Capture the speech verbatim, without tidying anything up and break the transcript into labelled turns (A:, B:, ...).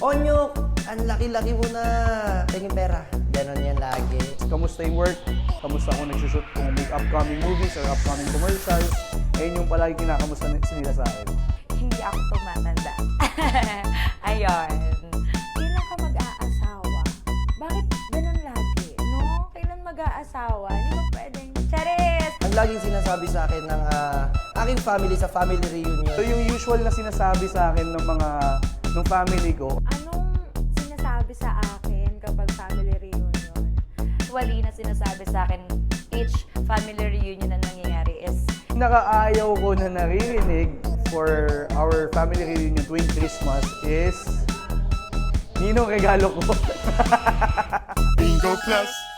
A: Onyok, ang laki-laki mo na. Tingin pera. Ganon yan lagi.
B: Kamusta yung work? Kamusta kung nagsushoot kung may upcoming movies or upcoming commercials? Ayun yung palagi kinakamusta nila sa akin.
C: Hindi ako tumatanda. Ayun. Kailan ka mag-aasawa? Bakit ganun lagi? No? Kailan mag-aasawa? Hindi ba pwedeng? Charis!
A: Ang laging sinasabi sa akin ng ah, aking family sa family reunion.
B: So yung usual na sinasabi sa akin ng mga ng family ko,
C: Anong sinasabi sa akin kapag family reunion? Usually na sinasabi sa akin each family reunion na nangyayari is
B: nakaayaw ko na naririnig for our family reunion tuwing Christmas is ninong regalo ko.
D: Bingo Plus.